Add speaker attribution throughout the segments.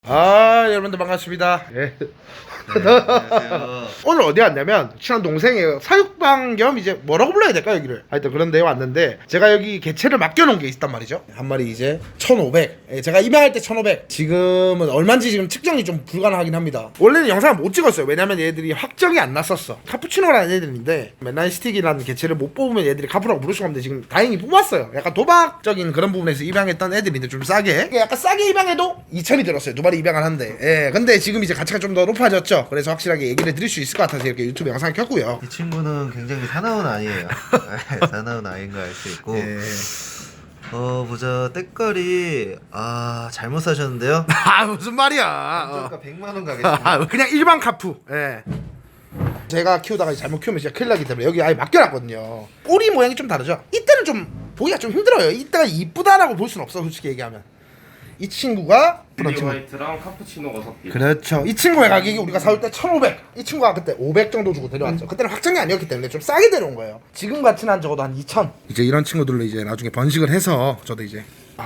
Speaker 1: 여러분들 반갑습니다. 예.
Speaker 2: 안녕하세요.
Speaker 1: 오늘 어디 왔냐면 친한 동생의 사육방 겸 이제 뭐라고 불러야 될까 여기를 하여튼 그런 데 왔는데 제가 여기 개체를 맡겨놓은 게 있단 말이죠. 한 마리 이제 1500. 예, 제가 입양할 때 1500. 지금은 얼마인지 지금 측정이 좀 불가능하긴 합니다. 원래는 영상을 못 찍었어요. 왜냐면 얘들이 확정이 안 났었어. 카푸치노라는 애들인데 맨날 스틱이라는 개체를 못 뽑으면 얘들이 카푸라고 부를 수가 없는데 지금 다행히 뽑았어요. 약간 도박적인 그런 부분에서 입양했던 애들인데 좀 싸게, 약간 싸게 입양해도 2000이 들었어요. 두 마리 입양을 하는데. 예, 근데 지금 이제 가치가 좀 더 높아졌죠. 그래서 확실하게 얘기를 드릴 수 있을 것 같아서 이렇게 유튜브 영상을 켰고요.
Speaker 2: 이 친구는 굉장히 사나운 아이예요. 사나운 아이인 거 알 수 있고.
Speaker 1: 예.
Speaker 2: 보자. 때깔이 잘못 사셨는데요.
Speaker 1: 무슨 말이야.
Speaker 2: 감정가 100만 원 가겠습니다.
Speaker 1: 그냥 일반 카푸. 예. 제가 키우다가 잘못 키우면 진짜 큰일 나기 때문에 여기 아예 맡겨놨거든요. 꼬리 모양이 좀 다르죠. 이때는 좀 보기가 좀 힘들어요. 이때가 이쁘다라고 볼 수는 없어, 솔직히 얘기하면. 이 친구가
Speaker 3: 빌리 화이트랑 카푸치노가 섞인.
Speaker 1: 그렇죠. 이 친구의 가격이 우리가 사올 때 1500. 이 친구가 그때 500 정도 주고 데려왔죠. 그때는 확정이 아니었기 때문에 좀 싸게 데려온 거예요. 지금 가치는 한 적어도 한 2000. 이제 이런 친구들로 이제 나중에 번식을 해서 저도 이제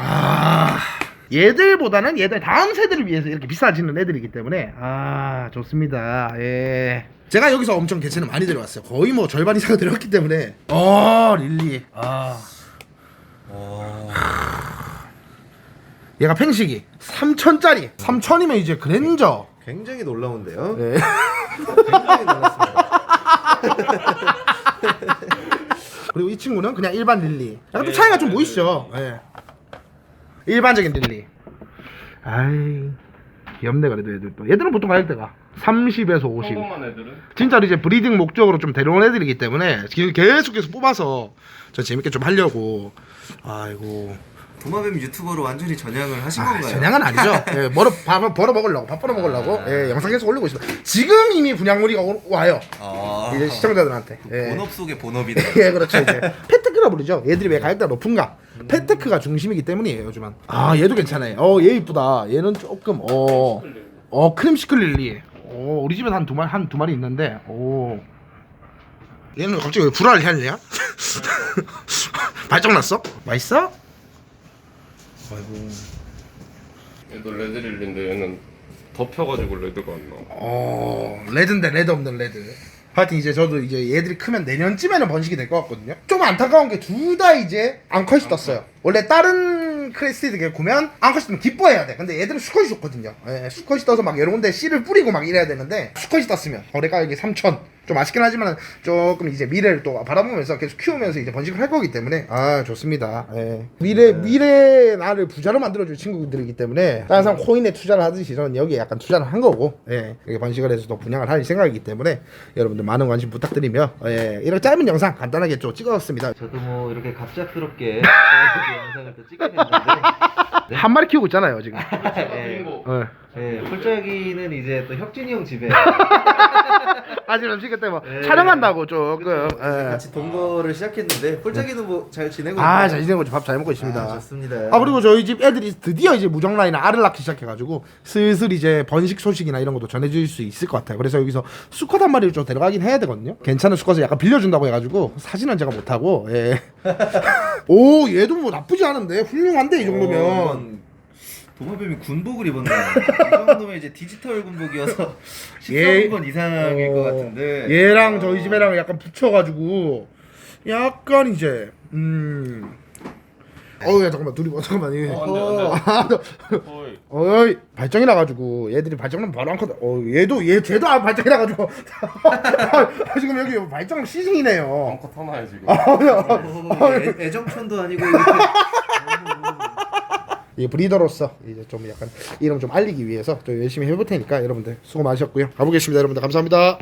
Speaker 1: 얘들보다는 얘들 다음 세대를 위해서 이렇게 비싸지는 애들이기 때문에 좋습니다. 예. 제가 여기서 엄청 개체는 많이 데려왔어요. 거의 뭐 절반 이상을 데려왔기 때문에. 릴리. 얘가 팽식이 3000짜리. 3000이면 이제 그랜저.
Speaker 2: 굉장히 놀라운데요.
Speaker 1: 네.
Speaker 2: 굉장히 놀랐습니다.
Speaker 1: 그리고 이 친구는 그냥 일반 릴리. 약간 또 차이가 좀 보이시죠? 예. 일반적인 릴리. 귀엽네. 그래도 얘들도. 얘들은 보통 가격대가 30에서 50.
Speaker 3: 평범한 애들은
Speaker 1: 진짜로 이제 브리딩 목적으로 좀 데려온 애들이기 때문에 계속해서 뽑아서 저 재밌게 좀 하려고. 아이고.
Speaker 2: 도마뱀 유튜버로 완전히 전향을 하신 건가요?
Speaker 1: 전향은 아니죠. 예, 밥 벌어 먹으려고, 예, 영상 계속 올리고 있습니다. 지금 이미 분양물이 와요. 이제 시청자들한테. 예.
Speaker 2: 본업 속의 본업이네.
Speaker 1: 예, 그렇죠. 이제 페테크라 부르죠. 얘들이 왜 가격대가 높은가? 페테크가 중심이기 때문이에요, 요즘은. 얘도 괜찮아요. 얘 이쁘다. 얘는 조금 크림시클 릴리. 우리 집에 한 두 마리 있는데. 얘는 갑자기 왜 불화를 했냐? 발정 났어? 맛있어? 아이고.
Speaker 3: 얘도 레드릴리인데 얘는 덮여가지고 레드가 안 나와.
Speaker 1: 레드인데 레드 없는 레드. 하여튼 이제 저도 이제 얘들이 크면 내년쯤에는 번식이 될 것 같거든요. 좀 안타까운 게 둘 다 이제 암컷이 떴어요. 원래 다른 크레스티드 개코면 암컷이 뜨면 기뻐해야 돼. 근데 얘들은 수컷이 좋거든요. 예, 수컷이 떠서 막 여러 군데 씨를 뿌리고 막 이래야 되는데 수컷이 떴으면 거래 가격이 3000. 좀 아쉽긴 하지만 조금 이제 미래를 또 바라보면서 계속 키우면서 이제 번식을 할 거기 때문에 좋습니다. 예. 미래 나를 부자로 만들어줄 친구들이기 때문에 다른 사람 코인에 투자를 하듯이 저는 여기에 약간 투자를 한 거고, 예. 여기 번식을 해서 또 분양을 할 생각이기 때문에 여러분들 많은 관심 부탁드리며, 이런 짧은 영상 간단하게 좀 찍었습니다.
Speaker 2: 저도 뭐 이렇게 갑작스럽게 영상을 또 찍게 됐는데
Speaker 1: 한 마리 키우고 있잖아요 지금.
Speaker 2: 폴짝이는 이제 또 혁진이 형 집에
Speaker 1: 아직 음식 그때 뭐 촬영한다고 조금.
Speaker 2: 같이 동거를 시작했는데 폴짝이는 뭐 잘 지내고
Speaker 1: 잘 지내고 밥 잘 먹고 있습니다.
Speaker 2: 좋습니다.
Speaker 1: 그리고 저희 집 애들이 드디어 이제 무정 라인에 알을 낳기 시작해가지고 슬슬 이제 번식 소식이나 이런 것도 전해줄 수 있을 것 같아요. 그래서 여기서 수컷 한 마리를 좀 데려가긴 해야 되거든요. 괜찮은 수컷을 약간 빌려준다고 해가지고 사진은 제가 못하고. 얘도 뭐 나쁘지 않은데 훌륭한데 이 정도면.
Speaker 2: 도마뱀이 군복을 입었네. 이 정도면 이제 디지털 군복이어서 13번 이상일 것 같은데.
Speaker 1: 얘랑 저희 집애랑 약간 붙여가지고 약간 이제 야 잠깐만 둘이 잠깐만
Speaker 3: 어이.
Speaker 1: 발정이 나가지고 얘들이 발정나면 바로 안 커다. 쟤도 발정이 나가지고 지금 여기 발정 시즌이네요.
Speaker 3: 암컷 하나야 지금.
Speaker 2: 애정촌도 아니고
Speaker 1: 이 브리더로서 이제 좀 약간 이름 좀 알리기 위해서 또 열심히 해볼 테니까 여러분들 수고 많으셨고요. 가보겠습니다. 여러분들 감사합니다.